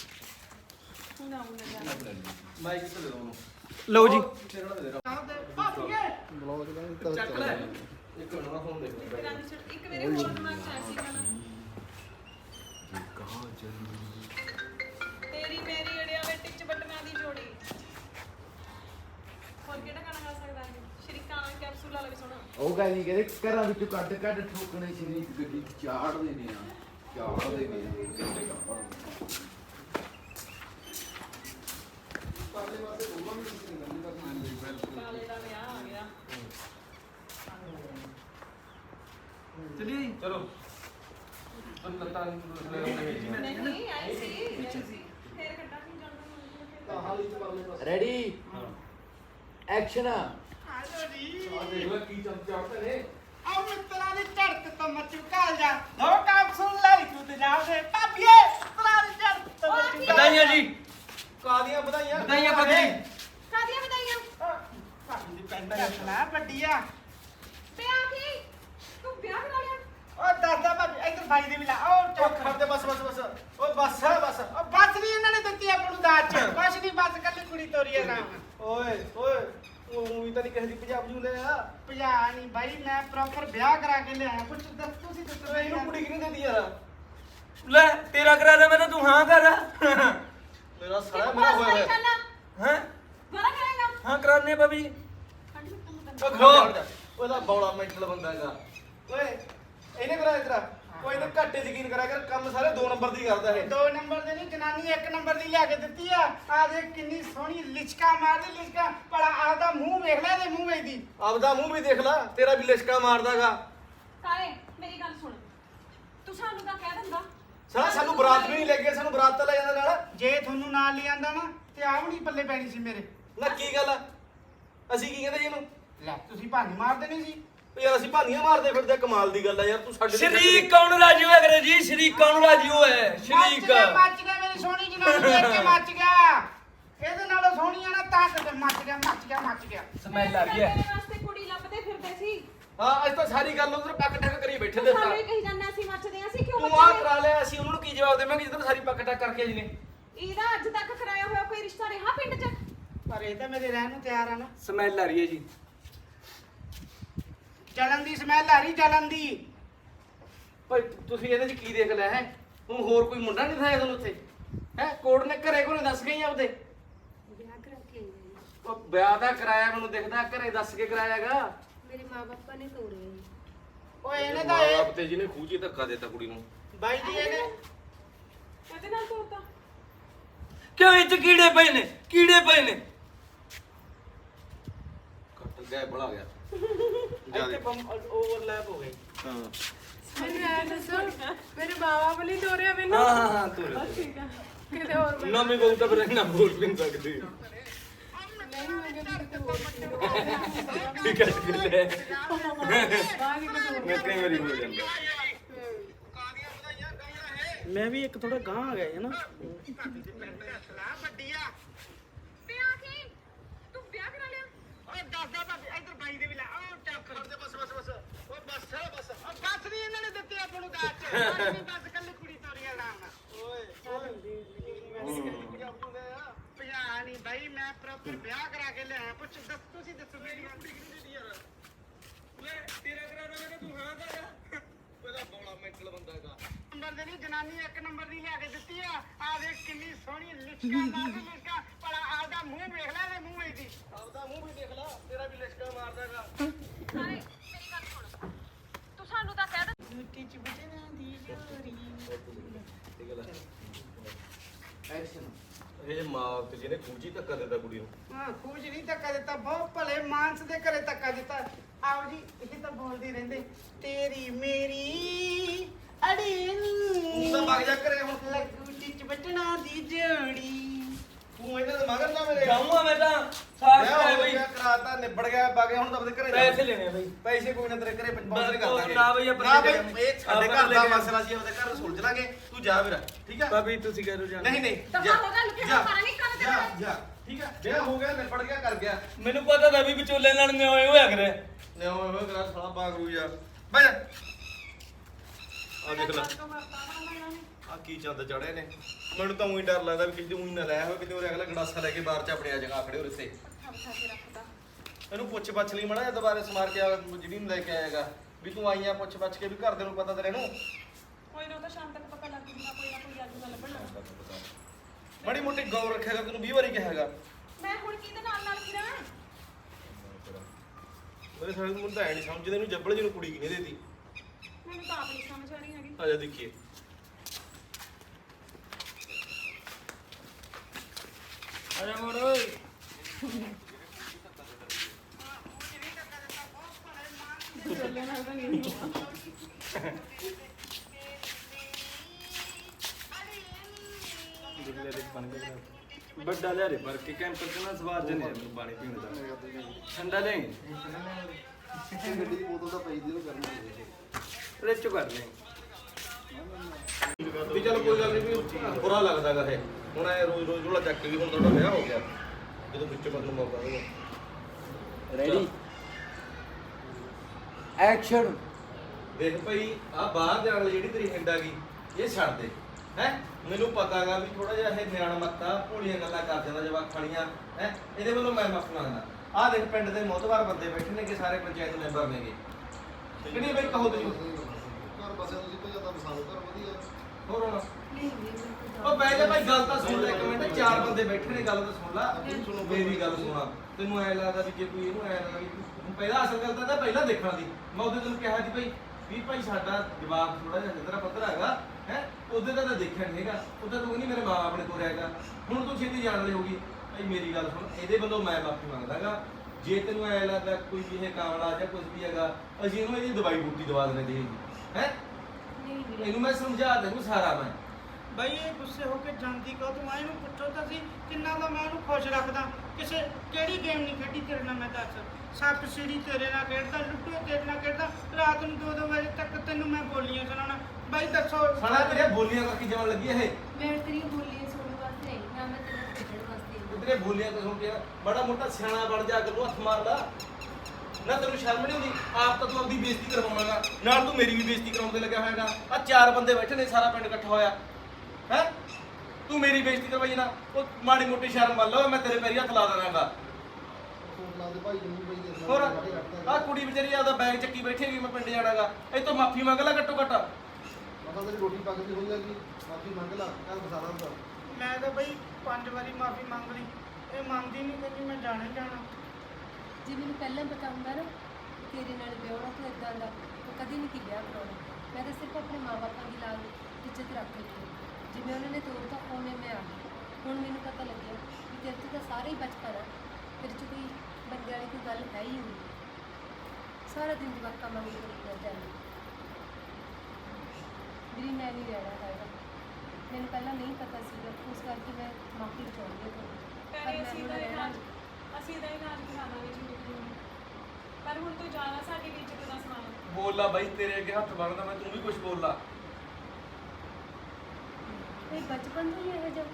ਮਾਈਕ ਤੇ ਦੇ ਦੋ ਉਹਨੂੰ। ਲਓ ਜੀ ਚੱਕ ਲੈ ਇੱਕ ਮਿੰਟ ਮੈਂ ਫੋਨ ਦੇਖ ਲਾਂ। ਇੱਕ ਮੇਰੇ ਹੋਰ ਦਿਮਾਗ ਚ ਆਇਆ ਸੀ ਗਾਣਾ। ਤੇਰੀ ਮੇਰੀ ਅੜਿਆ ਵੇ ਟਿਚ ਬਟਨਾਂ ਦੀ ਜੋੜੀ। ਹੋਰ ਕਿਹੜਾ ਗਾਣਾ ਗਾ ਸਕਦਾ ਹੈ ਸ਼ਰੀਕਾਂ ਵਾਲਾ ਕੈਪਸੂਲ ਵਾਲਾ ਵੀ ਸੁਣਾ ਉਹ ਕਹਿੰਦੀ ਕਹਿੰਦੇ ਘਰਾਂ ਵਿੱਚੋਂ ਕੱਢ ਕੱਢ ਠੋਕਣੇ ਸ਼ਰੀਕ ਗੱਡੀ ਚਾੜਦੇ ਨੇ ਆ ਚਾੜਦੇ ਨੇ ਕਿੰਨੇ ਕੰਮ ਕਾਲੇ ਦਾ ਵਿਆਹ ਆ ਗਿਆ ਚਲਿਏ ਚਲੋ ਨਹੀਂ ਆਈ ਸੀ ਫੇਰ ਕੱਢਾਂਗੇ ਜਾਣਾ ਰੈਡੀ ਐਕਸ਼ਨ ਆਜੋ ਜੀ ਦੇਖ ਲੈ ਕੀ ਚਮਚਾੜਦੇ ਨੇ ਆਹ ਮਿੱਤਰਾਂ ਦੀ ਝੜਕ ਤੋਂ ਮਚੂ ਕਾਲ ਜਾ ਦੋ ਕੈਪਸੂਲ ਲੈ ਤੂੰ ਤੇ ਜਾਵੇ ਭਾਬੀਏ ਮਿੱਤਰਾਂ ਦੀ ਝੜਕ ਤੋਂ ਮਚੂ ਵਧਾਈਆਂ ਜੀ ਕਾਦੀਆਂ ਵਧਾਈਆਂ ਵਧਾਈਆਂ ਭਾਬੀ ਕਾਦੀਆਂ ਵਧਾਈਆਂ ਭਾਬੀ ਦੀ ਪੈਂਟ ਨਾ ਵੱਡੀ ਆ ਪਿਆ ਕੀ ਤੂੰ ਵਿਆਹ ਕਰਾ ਲਿਆ ਉਹ ਦੱਸਦਾ ਭਾਬੀ ਇੱਧਰ ਬਾਈ ਦੇ ਵੀ ਲਾ ਉਹ ਉਹ ਚੱਕ ਖੜਦੇ ਬਸ ਉਹ ਬਸ ਉਹ ਬੱਸ ਵੀ ਇਹਨਾਂ ਨੇ ਦਿੱਤੀ ਆ ਨੂੰ ਦਾਜ ਚ ਕੁਛ ਨਹੀਂ ਬੱਸ ਕੱਲੀ ਕੁੜੀ ਤੋਰੀ ਆ ਨਾਮ ਓਏ ਉਹ ਵੀ ਤਾਂ ਨਹੀਂ ਕਿਸੇ ਦੀ ਪੰਜਾਬ ਜੂ ਲੈ ਆ ਭਜਾ ਨਹੀਂ ਬਾਈ ਮੈਂ ਪ੍ਰੋਪਰ ਵਿਆਹ ਕਰਾ ਕੇ ਲਿਆਇਆ ਕੁਛ ਦੱਸ ਤੁਸੀਂ ਦੱਸੋ ਇਹਨੂੰ ਕੁੜੀ ਕਿਹਨੇ ਦੇਦੀ ਯਾਰ ਲੈ ਤੇਰਾ ਕਰਾ ਦੇ ਮੈਂ ਤਾਂ ਤੂੰ ਹਾਂ ਕਰ ਮੇਰਾ ਸਾਲਾ ਮੇਰਾ ਹੋਇਆ ਹੋਇਆ ਹਾਂ ਬੜਾ ਕਰਾਂਗਾ ਹਾਂ ਕਰਾਨੇ ਭਾਬੀ ਉਹ ਖੜ ਜਾ ਉਹਦਾ ਬੌਲਾ ਮੈਂਟਲ ਬੰਦਾ ਹੈਗਾ ਓਏ ਇਹਨੇ ਕਰਾ ਇਤਰਾ ਕੋਈ ਤਾਂ ਘੱਟੇ ਯਕੀਨ ਕਰਿਆ ਕਰ ਕੰਮ ਸਾਰੇ 2 ਨੰਬਰ ਦੀ ਕਰਦਾ ਇਹ 2 ਨੰਬਰ ਦੇ ਨਹੀਂ ਜਨਾਨੀ 1 ਨੰਬਰ ਦੀ ਲਿਆ ਕੇ ਦਿੱਤੀ ਆ ਦੇਖ ਕਿੰਨੀ ਸੋਹਣੀ ਲਿਸ਼ਕਾ ਮਾਰਦੀ ਲਿਸ਼ਕਾ ਭਲਾ ਆਪਦਾ ਮੂੰਹ ਵੇਖ ਲੈ ਤੇ ਮੂੰਹ ਵੇਖਦੀ ਆਪਦਾ ਮੂੰਹ ਵੀ ਦੇਖ ਲੈ ਤੇਰਾ ਵੀ ਲਿਸ਼ਕਾ ਮਾਰਦਾਗਾ ਕਾਲੇ ਮੇਰੀ ਗੱਲ ਸੁਣ ਤੂੰ ਸਾਨੂੰ ਤਾਂ ਕਹਿ ਦਿੰਦਾ ਸਾਲਾ ਸਾਨੂੰ ਬਰਾਤ ਵੀ ਨਹੀਂ ਲੈ ਗਿਆ ਸਾਨੂੰ ਬਰਾਤ ਤਾਂ ਲੈ ਜਾਂਦਾ ਨਾਲ ਜੇ ਤੁਹਾਨੂੰ ਨਾਲ ਲੈ ਆਂਦਾ ਨਾ ਤੇ ਆਵਣੀ ਪੱਲੇ ਪੈਣੀ ਸੀ ਮੇਰੇ ਨਾ ਕੀ ਗੱਲ ਆ ਅਸੀਂ ਕੀ ਕਹਿੰਦੇ ਜੀ ਇਹਨੂੰ ਲੈ ਤੁਸੀਂ ਭਾਨੀ ਮਾਰਦੇ ਨਹੀਂ ਸੀ ਵੀ ਯਾਰ ਅਸੀਂ ਭਾਨੀਆਂ ਮਾਰਦੇ ਫਿਰਦੇ ਕਮਾਲ ਦੀ ਗੱਲ ਆ ਯਾਰ ਤੂੰ ਸਾਡੇ ਤੇ ਸ਼ਰੀਕ ਕੌਣ ਰਾਜੀ ਹੋਇਆ ਕਰੇ ਜੀ ਸ਼ਰੀਕ ਕੌਣ ਰਾਜੀ ਹੋਇਆ ਸ਼ਰੀਕ ਮੱਚ ਗਿਆ ਮੇਰੀ ਸੋਹਣੀ ਜਨਾਨੀ ਦੇਖ ਕੇ ਮੱਚ ਗਿਆ ਇਹਦੇ ਨਾਲੋਂ ਸੋਹਣੀ ਆ ਨਾ ਤਾਂ ਤੇ ਮੱਚ ਗਿਆ ਸਮੈਲ ਆ ਰਹੀ ਹੈ ਮੇਰੇ ਵਾਸਤੇ ਕੁੜੀ ਲੱਭਦੇ ਫਿਰਦੇ ਸੀ ਹਾਂ ਅੱਜ ਤਾਂ ਸਾਰੀ ਗੱਲ ਉਧਰ ਪੱਕ ਟੱਕ ਕਰੀ ਬੈਠੇ ਦੇ ਸਾਨੂੰ ਹੀ ਕਹੀ ਜਾਂਦਾ ਸੀ ਮੱਚਦੇ ਆ ਸੀ ਕਿਉਂ ਤੂੰ ਆ ਮੱਚਦੇ ਕਰਾ ਲਿਆ ਅਸੀਂ ਉਹਨਾਂ ਨੂੰ ਕੀ ਜਵਾਬ ਦੇਵਾਂਗੇ ਜਦੋਂ ਸਾਰੀ ਪੱਕ ਟੱਕ ਕਰਕੇ ਜੀ ਨੇ ਇਹਦਾ ਅੱਜ ਤੱਕ ਕਰਾਇਆ ਹੋਇਆ ਕੋਈ ਰਿਸ਼ਤਾ ਰਿਹਾ ਪਿੰਡ 'ਚ ਪਰ ਇਹ ਤਾਂ ਮੇਰੇ ਰਹਿਣ ਨੂੰ ਤਿਆਰ ਆ ਨਾ ਸਮੈਲ ਆ ਰਹੀ ਹੈ ਜੀ ਜਲਨ ਦੀ ਸਮੈਲ ਆ ਰਹੀ ਜਲਨ ਦੀ ਭਾਈ ਤੁਸੀਂ ਇਹਦੇ 'ਚ ਕੀ ਦੇਖ ਲਿਆ ਹੈ ਹੁਣ ਹੋਰ ਕੋਈ ਮੁੰਡਾ ਨਹੀਂ ਥਾਇਆ ਤੁਹਾਨੂੰ ਉੱਥੇ ਹੈ ਕੋਰਟ ਨੇ ਘਰੇ ਕੋਲ ਦੱਸ ਗਈ ਆਪਦੇ ਵਿਆਹ ਕਰਾ ਕੇ ਆਈ ਹਾਂ ਜੀ। ਉਹ ਵਿਆਹ ਦਾ ਕਰਾਇਆ ਮੈਨੂੰ ਦਿਖਦਾ ਘਰੇ ਦੱਸ ਕੇ ਕਰਾਇਆਗਾ ਮੇਰੇ ਮਾਪੇ ਨੇ ਤੋੜਿਆ ਜੀ। ਓਏ ਇਹਨੇ ਤਾਂ ਇਹ ਤੇ ਜਿਹਨੇ ਖੂਜੀ ਧੱਕਾ ਦਿੱਤਾ ਕੁੜੀ ਨੂੰ ਬਾਈ ਜੀ ਇਹਨੇ ਇਹਦੇ ਨਾਲ ਤੋਰਤਾ ਕਿਉਂ ਇਹ ਚ ਕੀੜੇ ਪਏ ਨੇ ਕੱਟ ਗਿਆ ਬੜਾ ਗਿਆ ਇੱਥੇ ਓਵਰਲੈਪ ਹੋ ਗਏ ਹਾਂ ਮੈਨੂੰ ਐ ਦੱਸੋ ਮੇਰੇ ਮਾਪੇ ਨਹੀਂ ਤੋੜਿਆ ਮੈਨੂੰ ਹਾਂ ਤੋਰੇ ਠੀਕ ਆ ਕਿਤੇ ਹੋਰ ਨਾ ਮੈਂ ਬਹੁਤ ਤਾਂ ਨਾ ਬੋਲ ਵੀ ਨਹੀਂ ਸਕਦੀ ਨਹੀਂ ਮੈਂ ਕਿਤੇ ਹੋਰ ਠੀਕ ਹੈ ਲੈ ਬਾਹਰ ਹੀ ਕਿਤੇ ਮੈਂ ਕਈ ਵਾਰੀ ਹੋ ਜਾਂਦਾ ਮੈਂ ਵੀ ਇੱਕ ਥੋੜਾ ਗਾਂ ਆ ਗਿਆ ਹੈ ਨਾ ਪਿਆ ਕੀ ਤੂੰ ਵਿਆਹ ਕਰਾ ਲਿਆ ਓਏ ਦੱਸਦਾ ਭਾਬੀ ਇੱਧਰ ਬਾਈ ਦੇ ਵੀ ਲਾ ਉਹ ਚੱਕ ਦੇ ਬਸ ਉਹ ਬੱਸ ਵੀ ਇਹਨਾਂ ਨੇ ਦਿੱਤੀ ਆਪਾਂ ਨੂੰ ਦਾਜ ਚ ਸਾਡੀ ਬੱਸ ਕੱਲੀ ਕੁੜੀ ਤੋਰੀ ਆ ਨਾਮ ਭਜਾ ਨਹੀਂ ਬਾਈ ਮੈਂ ਪ੍ਰੋਪਰ ਵਿਆਹ ਕਰਾ ਕੇ ਲਿਆਇਆ ਪੁੱਛ ਦੱਸ ਤੁਸੀਂ ਦੱਸੋ ਮੇਰੀ ਕੁੜੀ ਕਿਹਦੀ ਦੀ ਯਾਰ ਤੇਰਾ ਕਰਾਉਣਾ ਮੈਂ ਤੂੰ ਹਾਂ ਕਰ ਪਹਿਲਾ ਬੌਲਾ ਮੈਂਟਲ ਬੰਦਾ ਹੈਗਾ ਨੰਬਰ ਦੇ ਨਹੀਂ ਜਨਾਨੀ 1 ਨੰਬਰ ਦੀ ਲਿਆ ਕੇ ਦਿੱਤੀ ਆ ਦੇਖ ਕਿੰਨੀ ਸੋਹਣੀ ਲਿਸ਼ਕਾ ਮਾਰਦੀ ਲਿਸ਼ਕਾ ਭਲਾ ਆਪਦਾ ਮੂੰਹ ਵੇਖ ਲੈ ਤੇ ਮੂੰਹ ਵੇਖਦੀ ਆਪਦਾ ਮੂੰਹ ਵੀ ਦੇਖ ਲੈ ਤੇਰਾ ਵੀ ਲਿਸ਼ਕਾ ਮਾਰਦਾਗਾ ਕਾਲੇ ਮੇਰੀ ਗੱਲ ਸੁਣ ਤੂੰ ਸਾਨੂੰ ਤਾਂ ਕਹਿ ਦੇ ਮਿੱਟੀ ਚ ਬਜਣਾ ਦੀ ਜੋਰੀ ਐਕਸ਼ਨ ਇਹ ਮਾਂ ਤੇ ਜਿਹਨੇ ਖੂਜੀ ਧੱਕਾ ਦਿੱਤਾ ਕੁੜੀ ਨੂੰ ਹਾਂ ਖੂਜ ਨਹੀਂ ਧੱਕਾ ਦਿੱਤਾ ਬਹੁਤ ਭਲੇ ਮਾਨਸ ਦੇ ਘਰੇ ਧੱਕਾ ਦਿੱਤਾ ਆਓ ਜੀ ਇਹ ਤਾਂ ਬੋਲਦੇ ਰਹਿੰਦੇ ਤੇਰੀ ਮੇਰੀ ਅੜੀ ਤੂੰ ਤਾਂ ਵਗ ਜਾ ਘਰੇ ਹੁਣ ਲੱਗੂ ਚਿੱਚ ਬਟਣਾ ਦੀ ਜੋੜੀ ਤੂੰ ਇਹਨਾਂ ਦੇ ਮਗਰ ਨਾ ਮੇਰੇ ਜਾਊਂਗਾ ਮੈਂ ਤਾਂ ਸਾਫ ਵਿਆਹ ਕਰਾਇਆ ਹੋ ਬਈ ਗਿਆ ਕਰਾਤਾ ਨਿਬੜ ਗਿਆ ਬਾਗੇ ਹੁਣ ਤਾਂ ਆਪਣੇ ਘਰੇ ਪੈਸੇ ਲੈਣੇ ਆ ਬਈ ਪੈਸੇ ਕੋਈ ਨਾ ਤੇਰੇ ਘਰੇ ਪਹੁੰਚਣੇ ਕਰ ਦਾਂਗੇ ਨਾ ਬਈ ਆਪਾਂ ਨਾ ਲੈ ਬਈ ਕੇ ਇਹ ਸਾਡੇ ਆਪਾਂ ਘਰ ਲੈ ਦਾ ਕੇ ਮਸਲਾ ਸੀ ਉਹਦੇ ਘਰ ਸੁਲਝ ਲਾਂਗੇ ਤੂੰ ਜਾ ਵੀਰ ਠੀਕ ਆ ਭਾਬੀ ਤੁਸੀਂ ਕਹਿ ਰਹੇ ਹੋ ਜਾਣਾ ਨਹੀਂ ਤਾਂ ਜਾ, ਹੋ ਗੱਲ ਕਿ ਜਾ, ਮਾਰਾਂਗੇ ਕੱਲ ਦੇ ਜਾ ਨਾਲ ਜਾ ਠੀਕ ਆ ਵਿਆਹ ਹੋ ਗਿਆ ਨਿਬੜ ਗਿਆ ਕਰ ਗਿਆ ਮੈਨੂੰ ਪਤਾ ਤਾਂ ਵੀ ਵਿਚੋਲੇ ਨਾਲ ਨੇ ਹੋਇਆ ਕਰੇ ਨੇ ਓਏ ਕਰਾ ਸਾਲਾ ਬਾਗਰੂ ਯਾਰ ਬੈ ਜਾ ਆ ਦੇਖ ਲੈ ਆ ਕੀ ਚੰਦ ਚੜੇ ਨੇ ਮੈਨੂੰ ਤਾਂ ਉਹੀ ਡਰ ਲੱਗਦਾ ਵੀ ਕਿਤੇ ਉਹੀ ਨਾ ਲੈ ਹੋਵੇ ਕਿਤੇ ਉਹ ਅਗਲਾ ਗੜਾਸਾ ਲੈ ਕੇ ਬਾਹਰ ਚ ਆਪਣੇ ਆ ਜਗ੍ਹਾ ਖੜੇ ਹੋ ਰਿੱਤੇ ਇਹਨੂੰ ਪੁੱਛ ਪੱਛ ਲਈ ਮੜਾ ਜਾਂ ਦੁਬਾਰੇ ਸਮਾਰ ਕੇ ਜਿਹੜੀ ਨੂੰ ਲੈ ਕੇ ਆਏਗਾ ਵੀ ਤੂੰ ਆਈਆਂ ਪੁੱਛ ਪੱਛ ਕੇ ਵੀ ਘਰ ਦੇ ਨੂੰ ਪਤਾ ਤੇਰੇ ਨੂੰ ਕੋਈ ਨਾ ਤਾਂ ਸ਼ਾਮ ਤੱਕ ਪਤਾ ਲੱਗ ਜੂਗਾ ਕੋਈ ਨਾ ਕੋਈ ਅੱਜ ਗੱਲ ਬਣਾ ਮਾੜੀ ਮੋਟੀ ਗੌਰ ਰੱਖੇਗਾ ਤੈਨੂੰ 20 ਵਾਰੀ ਕਿਹਾਗਾ ਮੈਂ ਹੁਣ ਕਿਹਦੇ ਨਾਲ ਫਿਰਾਂ ਮੇਰੇ ਸਾਰੇ ਨੂੰ ਤਾਂ ਐ ਨਹੀਂ ਸਮਝਦੇ ਇਹਨੂੰ ਜੱਬਲ ਜੀ ਨੂੰ ਕੁੜੀ ਕਿਨੇ ਦੇਤੀ। ਮੈਨੂੰ ਤਾਂ ਆਪ ਨਹੀਂ ਸਮਝ ਆ ਰਹੀ ਹੈਗੀ। ਆ ਜਾ ਦੇਖੀਏ। ਆ ਜਾ ਮੋੜ ਓਏ। ਵੱਡਾ ਲਿਆ ਰੇ ਪਰ ਕਿ ਕੈਂਪਰ ਚ ਨਾ ਸਵਾਦ ਜਨੇ ਮੈਨੂੰ ਪਾਣੀ ਪੀਣ ਦਾ ਠੰਡਾ ਲੈ ਗੱਡੀ ਦੀ ਬੋਤਲ ਤਾਂ ਪਈ ਦੀ ਉਹ ਕਰਨਾ ਰਿਚ ਕਰ ਲੈ ਵੀ ਚੱਲ ਕੋਈ ਗੱਲ ਨਹੀਂ ਵੀ ਬੁਰਾ ਲੱਗਦਾਗਾ ਇਹ ਹੁਣ ਐ ਰੋਜ਼ ਰੋਜ਼ ਰੋਲਾ ਚੱਕ ਕੇ ਵੀ ਹੁਣ ਤੁਹਾਡਾ ਵਿਆਹ ਹੋ ਗਿਆ ਜਦੋਂ ਵਿੱਚ ਬਦਲ ਮੌਕਾ ਦੇਗਾ। Ready action. ਦੇਖ ਭਾਈ ਆ ਬਾਹਰ ਜਾਣ ਵਾਲੀ ਜਿਹੜੀ ਤੇਰੀ ਹਿੰਡ ਆ ਗਈ ਇਹ ਛੱਡ ਦੇ ਹੈ। ਮੈਨੂੰ ਪਤਾਗਾ ਵੀ ਥੋੜਾ ਜਿਹਾ ਇਹ ਨਿਆਣਾ ਮੱਤਾ ਭੋਲੀਆਂ ਗੱਲਾਂ ਕਰ ਜਾਂਦਾ ਜਵਾਕ ਖਾਣੀਆਂ ਹੈ। ਇਹਦੇ ਵੱਲੋਂ ਮੈਂ ਮਾਫੀ ਮੰਗਦਾ। ਆਹ ਦੇਖ ਪਿੰਡ ਦੇ ਮੋਤਬਾਰ ਬੰਦੇ ਬੈਠੇ ਨੇ ਕਿ ਸਾਰੇ ਪੰਚਾਇਤ ਮੈਂਬਰ ਨੇਗੇ ਕਿਹੜੀ ਬਈ ਕਹੋ ਤੁਸੀਂ ਘਰ ਬਸੇ ਤੁਸੀਂ ਕੋਈ ਜ਼ਿਆਦਾ ਮਸਾਲਾ ਘਰ ਵਧੀਆ ਹੋਰ ਹੁਣ ਉਹ ਬਹਿ ਜਾ ਭਾਈ ਗੱਲ ਤਾਂ ਸੁਣ ਲੈ ਇੱਕ ਮਿੰਟ। ਚਾਰ ਬੰਦੇ ਬੈਠੇ ਨੇ ਗੱਲ ਤਾਂ ਸੁਣ ਲੈ। ਮੇਰੀ ਗੱਲ ਸੁਣਾ ਤੈਨੂੰ ਐ ਲੱਗਦਾ ਵੀ ਜੇ ਕੋਈ ਇਹਨੂੰ ਐ ਲੱਗਦਾ ਵੀ ਹੁਣ ਪਹਿਲਾਂ ਅਸਲ ਗੱਲ ਤਾਂ ਪਹਿਲਾਂ ਦੇਖਣਾ ਦੀ ਮੈਂ ਉਹਦੇ ਤੈਨੂੰ ਕਿਹਾ ਸੀ ਭਾਈ ਵੀ ਭਾਈ ਸਾਡਾ ਜਵਾਬ ਥੋੜਾ ਜਿਹਾ ਜਿੱਦਾਂ ਪੱਧਰ ਹੈਗਾ ਹੈ ਉਹਦੇ ਦਾ ਤਾਂ ਦੇਖਿਆ ਨਹੀਂ ਹੈਗਾ। ਉਹਦਾ ਤੂੰ ਨਹੀਂ ਮੇਰੇ ਮਾਂ ਆਪਣੇ ਕੋਲ ਹੈਗਾ। ਹੁਣ ਤੂੰ ਛੇਤੀ ਜਾਣ ਲਈ ਹੋਗੀ ਭਾਈ ਮੇਰੀ ਗੱਲ ਸੁਣ ਇਹਦੇ ਵੱਲੋਂ ਮੈਂ ਮਾਫੀ ਮੰਗਦਾਗਾ। ਜੇ ਤੈਨੂੰ ਐ ਲੱਗਦਾ ਕੋਈ ਵੀ ਇਹ ਕਾਮਲਾ ਜਾਂ ਕੁਝ ਵੀ ਹੈਗਾ ਅਸੀਂ ਇਹਨੂੰ ਇਹਦੀ ਦਵਾਈ ਬੂਟੀ ਦਵਾ ਦੇਣੀ ਚਾਹੀਦੀ ਹੈ। ਇਹਨੂੰ ਮੈਂ ਸਮਝਾ ਦੇਵਾਂ ਸਾਰਾ ਮੈਂ ਬਾਈ ਇਹ ਗੁੱਸੇ ਹੋ ਕੇ ਜਾਂਦੀ ਕਾ ਤੂੰ ਇਹਨੂੰ ਪੁੱਛੋ ਤਾਂ ਸੀ ਕਿੰਨਾ ਦਾ ਮੈਂ ਇਹਨੂੰ ਖੁਸ਼ ਰੱਖਦਾ। ਕਿਸੇ ਕਿਹੜੀ ਗੇਮ ਨਹੀਂ ਖੇਡੀ ਤੇਰੇ ਨਾਲ ਮੈਂ ਦੱਸ। ਸੱਪ ਸੀੜੀ ਤੇਰੇ ਨਾਲ ਖੇਡਦਾ, ਲੁੱਟੋ ਤੇਰੇ ਨਾਲ ਖੇਡਦਾ, ਰਾਤ ਨੂੰ 2-2 ਵਜੇ ਤੱਕ ਤੈਨੂੰ ਮੈਂ ਬੋਲੀਆਂ ਸੁਣਾਉਣਾ। ਬਾਈ ਦੱਸੋ ਸਾਲਾ ਤੇਰੇ ਬੋਲੀਆਂ ਕਰਕੇ ਜਮਣ ਲੱਗੀ ਇਹ ਮੈਂ ਤੇਰੀਆਂ ਬੋਲੀਆਂ ਸੁਣਨ ਵਾਸਤੇ ਨਹੀਂ ਨਾ ਮੈਂ ਤੇਰੇ ਨਾਲ ਖੇਡਣ ਵਾਸਤੇ ਆਈ। ਤੇਰੇ ਬੋਲੀਆਂ ਤੋਂ ਸੁਣ ਕੇ ਬੜਾ ਮੋਟਾ ਸਿਆਣਾ ਬਣ ਜਾ ਕਰੂ ਹੱਥ ਮਾਰਦਾ ਨਾ। ਤੈਨੂੰ ਸ਼ਰਮ ਨਹੀਂ ਆਉਂਦੀ? ਆਪ ਤਾਂ ਤੂੰ ਆਪਦੀ ਬੇਇੱਜ਼ਤੀ ਕਰਵਾਉਣਾਗਾ ਨਾਲ ਤੂੰ ਮੇਰੀ ਵੀ ਬੇਇੱਜ਼ਤੀ ਕਰਾਉਣ ਤੇ ਲੱਗਿਆ ਹੋਇਆਗਾ। ਆ ਚਾਰ ਬੰਦੇ ਬੈਠੇ ਨੇ ਸਾਰਾ ਪਿੰਡ ਇਕੱਠਾ ਹੋਇਆ ਹੈ। ਤੂੰ ਮੇਰੀ ਬੇਇੱਜ਼ਤੀ ਕਰਵਾਈ ਨਾ। ਉਹ ਮਾੜੀ ਮੋਟੀ ਸ਼ਰਮ ਮੰਨ ਲਓ ਮੈਂ ਤੇਰੇ ਪੈਰੀ ਹੱਥ ਲਾ ਦੇਣਾਗਾ। ਹੋਰ ਆ ਕੁੜੀ ਵਿਚਾਰੀ ਆਦਾ ਬੈਗ ਚੱਕੀ ਬੈਠੇਗੀ ਮੈਂ ਪਿੰਡ ਜਾਣਾਗਾ। ਇਹ ਤੋਂ ਮਾਫੀ ਮੰਗ ਲੈ ਘੱਟੋ ਘੱਟ। ਤੇਰੀ ਰੋਟੀ ਪੱਕਦੀ ਹੋਈ ਆ ਕਿ ਮਾਫੀ ਮੰਗ ਲਾ ਕੱਲ ਬਸਾਰਾ ਹੁੰਦਾ। ਮੈਂ ਤਾਂ ਬਈ 5 ਵਾਰੀ ਮਾਫੀ ਮੰਗ ਲਈ ਇਹ ਮੰਨਦੀ ਨਹੀਂ ਕਹਿੰਦੀ ਮੈਂ ਜਾਣਾ ਹੀ ਜਾਣਾ। ਜੇ ਮੈਨੂੰ ਪਹਿਲਾਂ ਪਤਾ ਹੁੰਦਾ ਨਾ ਤੇਰੇ ਨਾਲ ਵਿਆਹਣਾ ਤਾਂ ਇਦਾਂ ਦਾ ਮੈਂ ਕਦੀ ਨਹੀਂ ਕੀ ਵਿਆਹ ਕਰਾਉਣਾ। ਮੈਂ ਤਾਂ ਸਿਰਫ ਆਪਣੇ ਮਾਂ-ਬਾਪਾਂ ਦੀ ਲਾਲ ਇੱਜ਼ਤ ਰੱਖ ਲਈ। ਜਿਵੇਂ ਉਹਨਾਂ ਨੇ ਤੋਰਤਾ ਉਵੇਂ ਮੈਂ ਆ ਗਈ। ਹੁਣ ਮੈਨੂੰ ਪਤਾ ਲੱਗਿਆ ਕਿ ਤੇਰੇ ਤੋਂ ਤਾਂ ਸਾਰੇ ਹੀ ਬਚਪਨ ਆ। ਤੇਰੇ 'ਚ ਕੋਈ ਬੰਦੇ ਵਾਲੀ ਕੋਈ ਗੱਲ ਹੈ ਹੀ ਨਹੀਂ। ਸਾਰਾ ਦਿਨ ਜਵਾਕਾਂ ਮੰਗ ਕਰੀ ਜਾਂਦੀ ਮੇਰੀ ਮੈਂ ਨਹੀਂ ਰਹਿਣਾ ਹੈਗਾ। ਮੈਨੂੰ ਪਹਿਲਾਂ ਨਹੀਂ ਪਤਾ ਸੀਗਾ ਉਸ ਕਰਕੇ ਮੈਂ ਮਾਫੀ ਚਾਹੁੰਦੀ ਹਾਂ ਪਰ ਅਸੀਂ ਤਾਂ ਇਹ ਰਾਜ ਦਿਖਾਵਾਂਗੇ ਜ਼ਿੰਦਗੀ ਨੂੰ। ਪਰ ਹੁਣ ਤੂੰ ਜਾਣਾ ਸਾਡੀ ਵੀ ਇੱਜ਼ਤ ਦਾ ਸਮਾਨ। ਬੋਲ ਲਾ ਬਾਈ ਤੇਰੇ ਅੱਗੇ ਹੱਥ ਬੰਨਦਾ ਮੈਂ ਤੂੰ ਵੀ ਕੁਝ ਬੋਲ ਲਾ। ਇਹ ਬਚਪਨ ਤੋਂ ਹੀ ਇਹੋ ਜਿਹਾ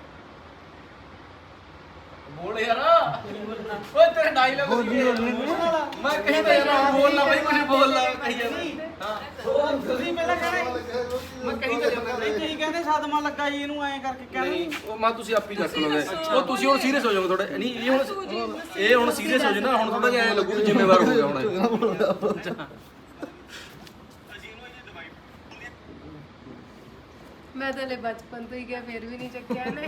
ਬੋਲ ਯਾਰ ਓਏ ਤੇਰੇ ਡਾਇਲੌਗ ਮੈਂ ਕਹੀ ਤਾਂ ਯਾਰ ਬੋਲ ਲਾ ਬਾਈ ਕੁਝ ਬੋਲ ਲਾ ਕਹੀ ਜਾਂਦਾ। ਹਾਂ ਤੁਸੀਂ ਪਹਿਲਾਂ ਕਹਿੰਦੇ ਮੈਂ ਕਹੀ ਤਾਂ ਜਾਂਦਾ ਨਹੀਂ ਤੁਸੀਂ ਕਹਿੰਦੇ ਸਦਮਾ ਲੱਗਾ ਜੀ ਇਹਨੂੰ ਐਂ ਕਰਕੇ ਕਹਿੰਦੇ ਉਹ ਮੈਂ ਤੁਸੀਂ ਆਪ ਹੀ ਚੱਕ ਲਓਗੇ। ਉਹ ਤੁਸੀਂ ਹੁਣ ਸੀਰੀਅਸ ਹੋ ਜਾਓਗੇ ਥੋੜਾ ਨਹੀਂ ਇਹ ਹੁਣ ਸੀਰੀਅਸ ਹੋ ਜਾਣਾ। ਹੁਣ ਥੋੜਾ ਜਿਹਾ ਐ ਲੱਗੂ ਜ਼ਿੰਮੇਵਾਰ ਹੋ ਗਿਆ ਹੁਣ। ਮੈਂ ਤਾਂ ਲੈ ਬਚਪਨ ਤੋਂ ਹੀ ਗਿਆ ਫਿਰ ਵੀ ਨਹੀਂ ਚੱਕਿਆ ਨੇ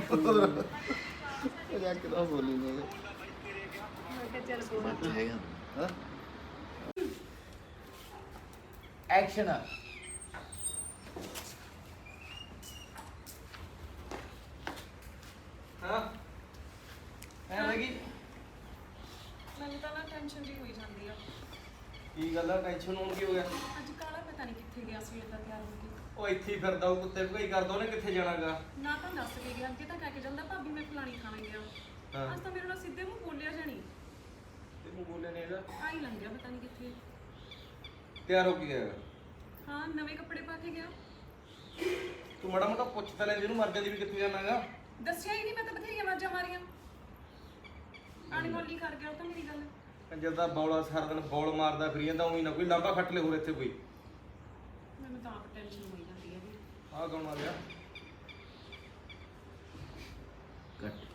ਇਹ ਕਿਦਾਂ ਬੋਲੀ ਨੇ ਮੈਂ ਕਿਹਾ ਚੱਲ ਬੋਲ ਹੈਗਾ ਹਾਂ। ਐਕਸ਼ਨ। ਹਾਂ ਐ ਲੱਗੀ ਮੈਨੂੰ ਤਾਂ ਨਾ ਟੈਨਸ਼ਨ ਜੀ ਹੋਈ ਜਾਂਦੀ ਆ। ਕੀ ਗੱਲ ਆ ਟੈਨਸ਼ਨ ਹੋਣ ਕੀ ਹੋ ਗਿਆ? ਅੱਜ ਕਾਲਾ ਪਤਾ ਨਹੀਂ ਕਿੱਥੇ ਗਿਆ ਸੀ ਇਦਾਂ ਤਿਆਰ ਹੋ ਕੇ। ਉਹ ਇੱਥੇ ਹੀ ਫਿਰਦਾ ਉਹ ਕੁੱਤੇ ਭਗਾਈ ਕਰਦਾ ਉਹਨੇ ਕਿੱਥੇ ਜਾਣਾਗਾ। ਨਾ ਤਾਂ ਦੱਸ ਕੇ ਗਿਆ ਅੱਗੇ ਤਾਂ ਕਹਿ ਕੇ ਜਾਂਦਾ ਭਾਬੀ ਮੈਂ ਫਲਾਣੀ ਖਾਣਾ ਗਿਆ। ਹਾਂ ਅੱਜ ਤਾਂ ਮੇਰੇ ਨਾਲ ਸਿੱਧੇ ਮੂੰਹ ਬੋਲਿਆ ਜਾਣੀ। ਤੈਨੂੰ ਬੋਲਿਆ ਨਹੀਂ ਇਹਦਾ ਆਈ ਲੰਘ ਗਿਆ ਪਤਾ ਨਹੀਂ ਕਿੱਥੇ। ਤਿਆਰ ਹੋ ਕੇ ਗਿਆ ਹਾਂ ਨਵੇਂ ਕੱਪੜੇ ਪਾ ਕੇ ਗਿਆ। ਤੂੰ ਮਾੜਾ ਮੋਟਾ ਪੁੱਛ ਤਾਂ ਲੈ ਜਿਹਨੂੰ ਮਰ ਜਾਂਦੀ ਵੀ ਕਿੱਥੇ ਜਾਣਾਗਾ। ਦੱਸਿਆ ਹੀ ਨਹੀਂ ਮੈਂ ਤਾਂ ਬਥੇਰੀਆਂ ਆਵਾਜ਼ਾਂ ਮਾਰੀਆਂ। ਅਣਗੌਲੀ ਕਰ ਗਿਆ ਉਹ ਤਾਂ ਮੇਰੀ ਗੱਲ। ਕੰਜਰ ਦਾ ਬੌਲਾ ਸਾਰਾ ਦਿਨ ਬੌਲ ਮਾਰਦਾ ਫਿਰੀ ਜਾਂਦਾ ਉਹੀ ਨਾ ਕੋਈ ਲਾਂਬਾ ਖੱਟ ਲੈ ਹੋਰ ਇੱਥੇ ਕੋਈ। ਮੈਨੂੰ ਤਾਂ ਆਪ ਟੈਨਸ਼ਨ ਹੋਈ ਜਾਂਦੀ ਹੈ ਵੀ ਆਹ ਕੌਣ ਆ ਗਿਆ? ਕੱਟ